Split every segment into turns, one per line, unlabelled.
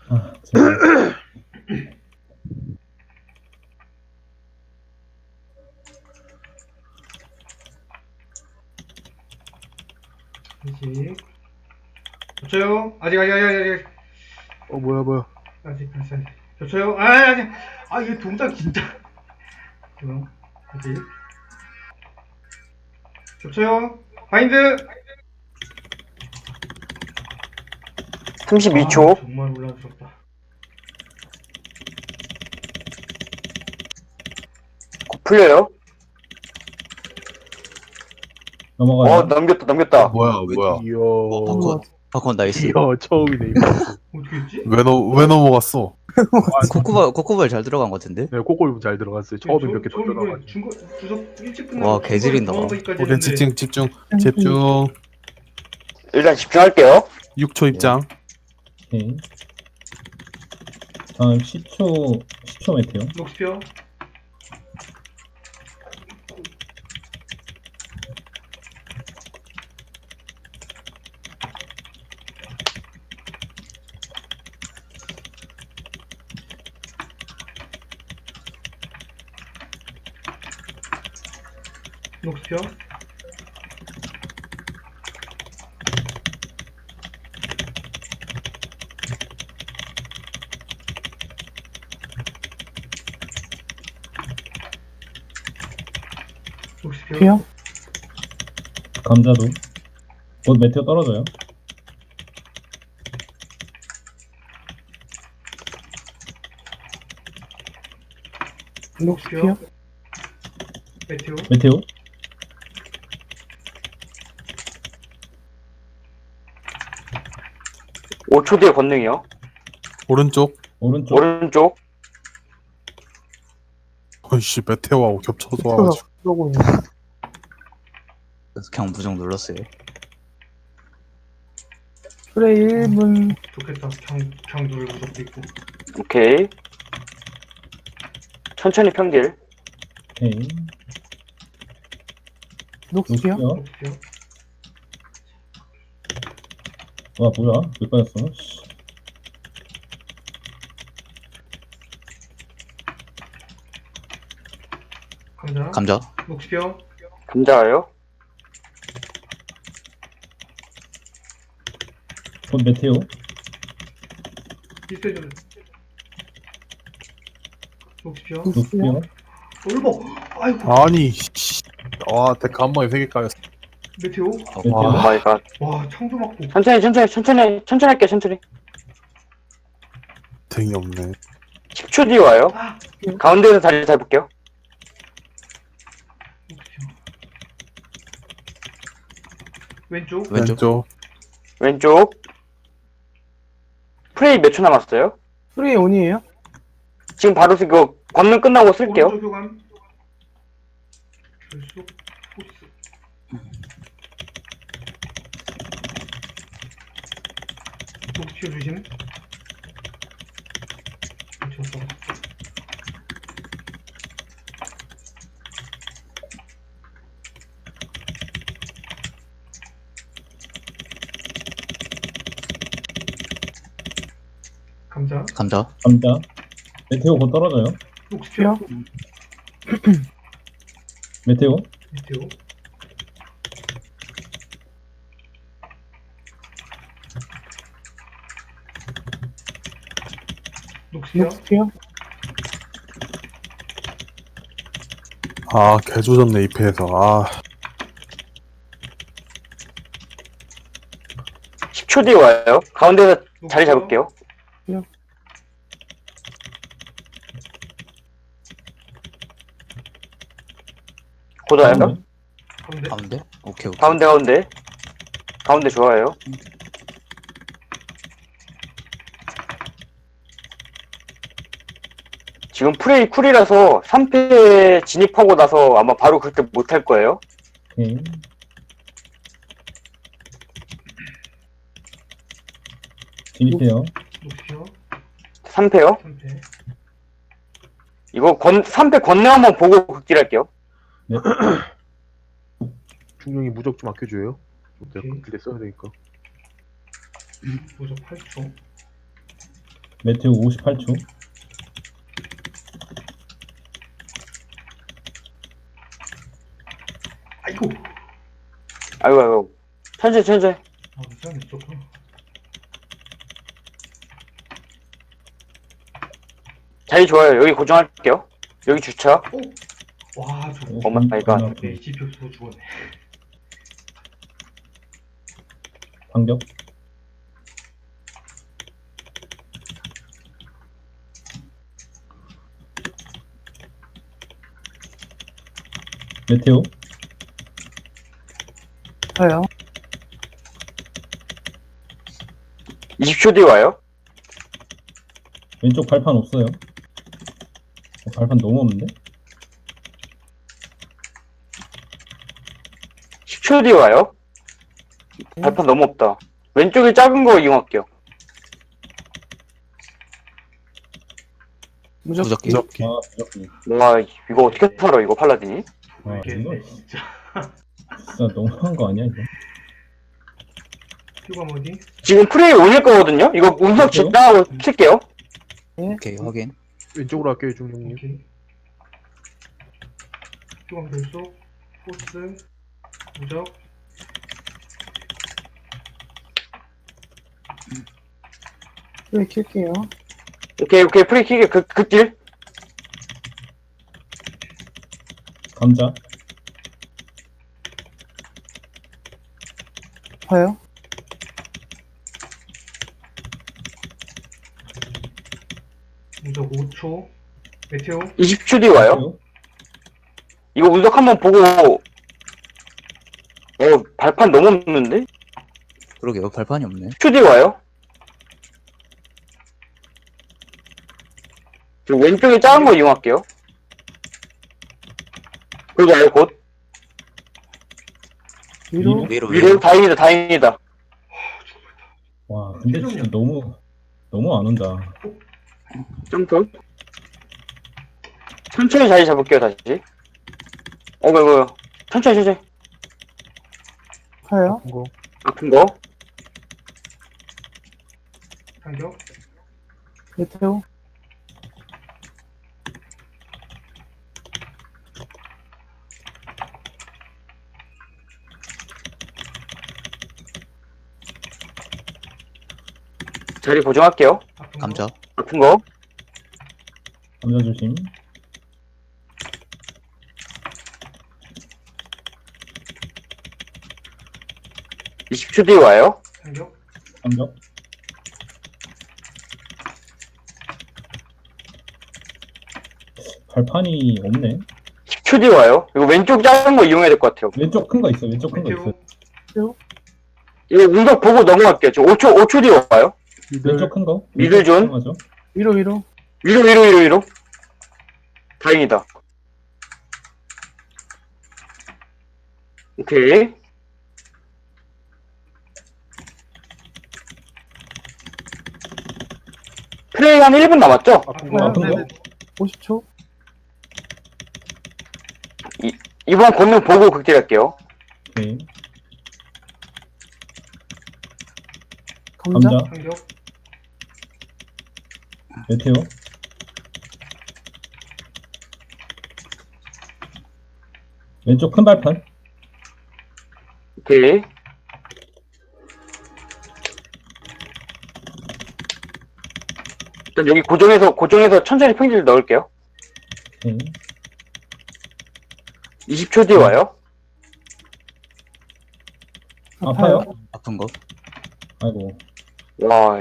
아, 제발.
아직. 겹쳐요. 아직.
뭐야.
아직. 겹쳐요. 아직. 아, 이게 동작 진짜. 아직. 겹쳐요. 바인드.
32초.
정말 올라주셨다.
곧 풀려요.
넘어가요.
넘겼다.
뭐야.
이야.
팝콘 나이스.
이야, 처음이네. 이거.
어떻게 했지?
왜 넘어갔어?
코코볼 잘 들어간 것 같은데?
네, 꼬꼬리 잘 들어갔어요. 처음에 몇 개
저 이거
던져놔가지고.
중거 주석 일찍
와, 개지린다.
우린 집중.
'일단 집중할게요.
6초 입장.
오케이. 다음 10초 메테오.
녹스피어. 녹스피어. 녹스피어.
감자도. 곧 메테오 떨어져요.
녹스피어. 메테오.
메테오.
오 초 뒤에 권능이요.
오른쪽.
오른쪽.
어이씨 메테오하고 겹쳐서 와가지고.
그래서 그냥 무정 눌렀어요.
프레이 1분.
좋겠다. 그냥 누를 무적도 있고.
오케이. 천천히 평딜.
오케이.
녹스피어.
녹스피어.
와, 뭐야? 왜 빠졌어? 씨.
감자.
녹스피어.
감자예요.
곧 메테오.
비슷해져. 녹스피어.
녹스피어.
올버. 아이고.
아니 씨. 와 데카 한 번에 3개 까였어.
메테오.
오 마이 갓.
와, 창조 맞고.
천천히 할게, 천천히.
등이 없네.
10초 뒤에 와요. 가운데에서 자리 잡을게요.
녹스피어. 왼쪽.
왼쪽. 프레이 몇 초 남았어요?
프레이 온이에요?
지금 바로 이거 권능 끝나고 쓸게요.
오른쪽 교감. 결속. 포스. 녹스피어 조심. 쳤어. 감자.
감자.
메테오 곧 떨어져요.
녹스피어.
메테오.
메테오. 녹스피어.
녹스피어.
아 개조졌네 이 패에서. 아
10초 뒤에 와요. 가운데에서 자리 잡을게요. 곧 와요.
가운데.
가운데? 오케이.
가운데 좋아요. 지금 프레이 쿨이라서 3패 진입하고 나서 아마 바로 그렇게 못할 거예요.
오케이. 진입해요.
녹스피어.
3패요.
3패.
이거 3패 권능 한번 보고 극딜할게요.
네.
중령이 무적 좀 아껴줘요. 내가
오케이.
그때 써야 되니까.
무적 8초.
메테오 58초.
아이고.
아이고, 아이고. 천천히, 천천히.
아, 이상해, 조금.
자리 좋아요. 여기 고정할게요. 여기 주차.
와, 저.
오 마이 갓.
네, GP 없어서 죽었네.
반격. 메테오.
저요.
20초 뒤에 와요.
왼쪽 발판 없어요. 발판 너무 없는데?
10초 뒤에 와요. 발판 너무 없다. 왼쪽에 작은 거 이용할게요.
무적기.
무적기.
아, 무적기.
와, 이거 어떻게 살아, 이거 팔라딘이?
아, 이거
모르겠네, 진짜.
진짜 너무한 거 아니야, 이거?
휴가 어디?
지금 프레이 올릴 거거든요? 이거 운석 짓다하고 킬게요.
오케이, 확인.
왼쪽으로 할게요, 중령님.
오케이. 휴가 결속. 포스. 무적.
프레이 킬게요.
오케이, 오케이. 프레이 킬게, 그 길.
감자.
파요.
무적 5초. 메테오.
20초 뒤에 와요.
메테오.
이거 운석 한번 보고, 발판 너무 없는데?
그러게요, 발판이 없네.
10초 뒤에 와요. 저 왼쪽에 작은 거 이용할게요. 그리고 와요, 곧.
위로.
위로,
위로, 다행이다, 다행이다.
와, 근데 진짜 너무 안 온다.
점프. 천천히 자리 잡을게요, 다시. 이거. 천천히.
파요.
이거
아픈 거.
반격.
메테오.
자리 고정할게요.
아픈 거.
감자.
아픈 거.
감자 조심.
이 20초 뒤에 와요.
반격.
감격. 발판이 없네.
10초 뒤에 와요. 이거 왼쪽 작은 거 이용해야 될 것 같아요.
왼쪽 큰 거 있어. 왼쪽 큰 거 있어.
메테오.
이거 운석 보고 넘어갈게요. 저 5초 뒤에 와요.
미들.
왼쪽 큰 거.
미들 존?
맞아.
위로.
위로. 다행이다. 오케이. 플레이 한 1분 남았죠?
아픈
거.
아픈 거.
네네.
50초.
이번 권능 보고 극딜할게요.
오케이.
감자.
감자.
반격.
메테오. 왼쪽 큰 발판.
오케이. 일단 여기 고정해서 천천히 평질 넣을게요.
오케이.
20초 뒤에 와요.
아파요?
아픈 거.
아이고.
와.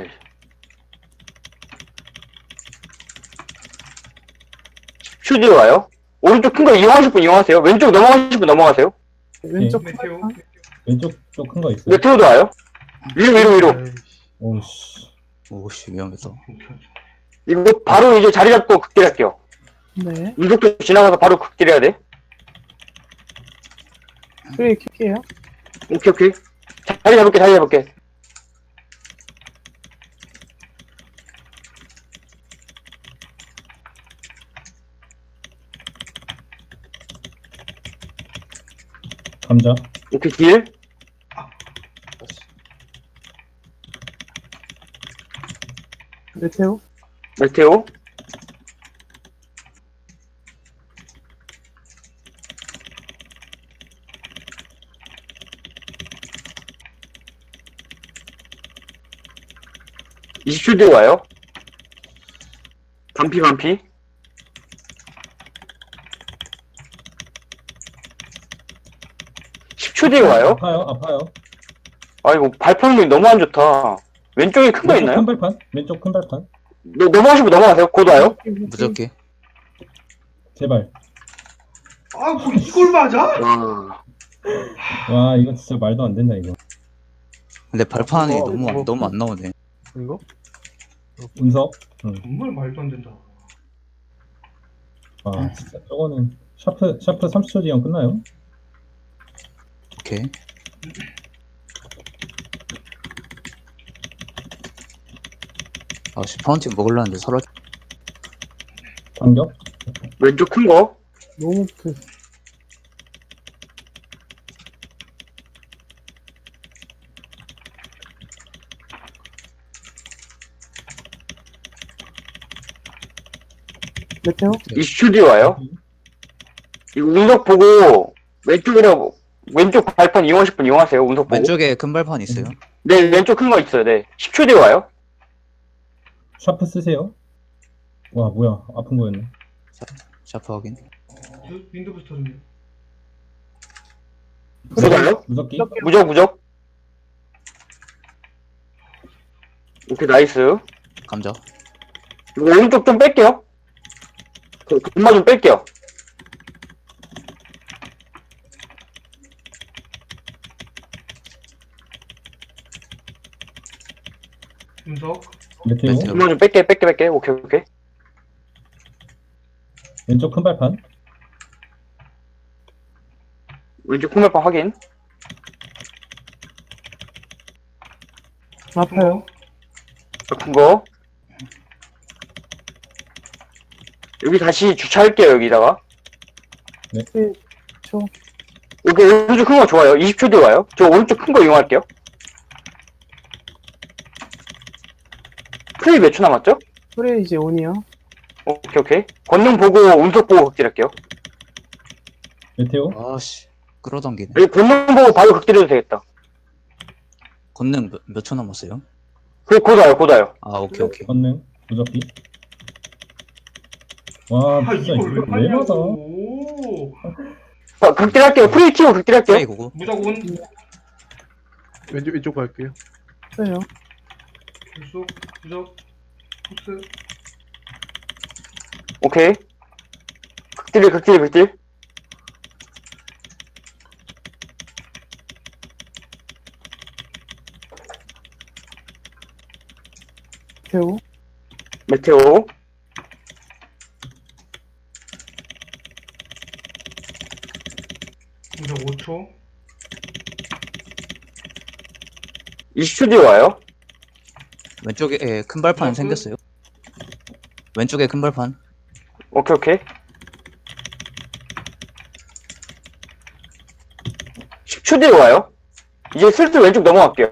10초 뒤에 와요. 오른쪽 큰 거 이용하실 분 이용하세요. 왼쪽 넘어가실 분 넘어가세요.
왼쪽
메테오.
발판.
왼쪽 쪽 큰 거 있어.
메테오도 와요. 위로.
에이씨.
오씨.
오씨, 위험했어.
이거 바로 이제 자리 잡고 극딜할게요.
네.
운석도 지나가서 바로 극딜해야 돼.
프레이 킬게요.
오케이. 자리 잡을게.
감자.
오케이, 딜.
메테오.
메테오. (20초) 뒤에 와요. 반피. 10초 뒤에 와요.
아파요.
아이고, 발판이 너무 안 좋다. 왼쪽에 큰 거
왼쪽
있나요?
큰 발판. 왼쪽 큰 발판.
넘어가시면 넘어가세요. 곧 와요.
무적기.
제발.
아, 뭐 이걸 맞아?
와.
와, 이거 진짜 말도 안 된다, 이거.
근데 발판이
어,
너무 안 나오네.
이거?
운석.
정말 말도 안 된다.
와, 진짜 저거는 샤프 30초 뒤에 끝나요?
오케이. 아씨, 파운틴 먹으려는데 사라.
반격.
왼쪽 큰 거.
너무 그 메테오.
20초 뒤에 와요. 이거 운석 보고 왼쪽 발판 이용하실 분 이용하세요. 운석 보고.
왼쪽에 큰 발판 있어요.
네, 왼쪽 큰 거 있어요. 네. 10초 뒤에 와요.
샤프 쓰세요. 와, 뭐야. 아픈 거였네.
샤프 확인.
윈드 부스터 좀.
무적요?
무섭기.
무적. 오케이, 나이스.
감자.
이거 오른쪽 좀 뺄게요. 금마 좀 뺄게요.
운석.
메테오.
메테오.
금마 좀 뺄게. 오케이.
왼쪽 큰 발판.
왼쪽 콩멜판 확인.
아파요.
큰 거. 여기 다시 주차할게요, 여기다가.
초.
여기 오른쪽 큰 거 좋아요. 20초 뒤에 와요. 저 오른쪽 큰 거 이용할게요. 프레이 몇 초 남았죠?
프레이 이제 온이요.
오케이. 권능 보고 운석 보고 극딜할게요.
메테오.
아씨, 끌어당기네.
여기 권능 보고 바로 극딜해도 되겠다.
권능 몇 초 남았어요?
곧 와요.
아, 오케이.
건능. 무섭기. 와,
아,
진짜
이걸 왜
이거 왜 맞아?
하냐고.
극딜할게요. 프레이 키고 극딜할게요.
프레이 고고.
무적 온.
왼쪽 갈게요.
써요.
불속. 무적. 코스.
오케이. 극딜.
메테오.
메테오.
무적 5초.
20초 뒤에 와요.
왼쪽에 큰 발판 생겼어요. 왼쪽에 큰 발판.
오케이. 10초 뒤에 와요. 이제 슬슬 왼쪽 넘어갈게요.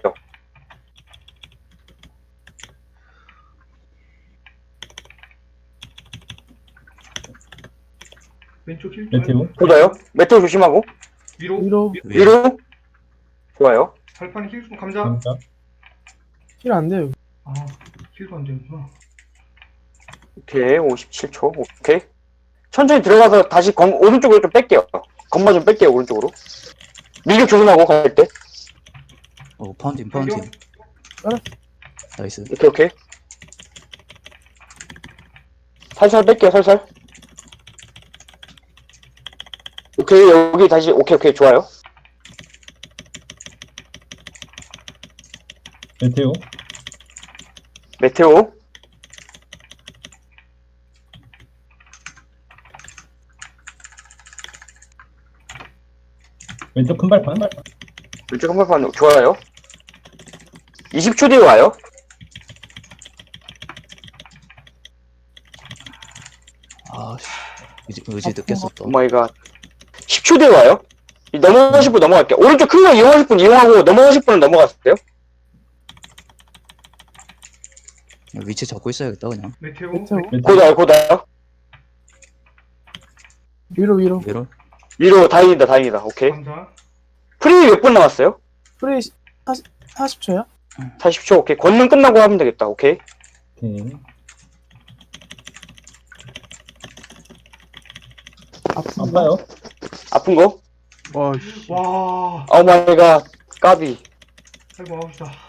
왼쪽 힐.
메테오.
보다요. 메테오 조심하고.
위로.
위로. 좋아요.
발판 힐 좀. 감자.
감자.
힐 안 돼요.
아, 힐도 안 되는구나.
오케이. 57초. 오케이. 천천히 들어가서 다시 오른쪽으로 좀 뺄게요. 건마 좀 뺄게요. 오른쪽으로. 밀격 조심하고 갈 때.
파운틴.
발견.
나이스.
오케이. 살살 뺄게요. 살살. 오케이. 여기 다시. 오케이. 좋아요.
메테오.
메테오.
왼쪽 큰 발판.
왼쪽 한발판 좋아요. 20초 뒤에 와요.
아씨, 의지 느꼈었다.
오마이갓. 10초 뒤에 와요. 넘어가실 분 넘어갈게요. 오른쪽 큰 거 이용하실 분 이용하고 넘어가실 분은 넘어갔어요.
위치 잡고 있어야겠다 그냥.
메테오.
메테오.
고다, 고다.
위로 위로.
위로.
위로 다행이다, 다행이다. 오케이.
감사.
프리 몇 분 남았어요?
프레이 40초야?
40초, 오케이. 권능 끝나고 하면 되겠다, 오케이.
오케이. 아파요?
아픈 거?
와, 씨.
와.
오 마이 갓, 까비.
아이고 아프다.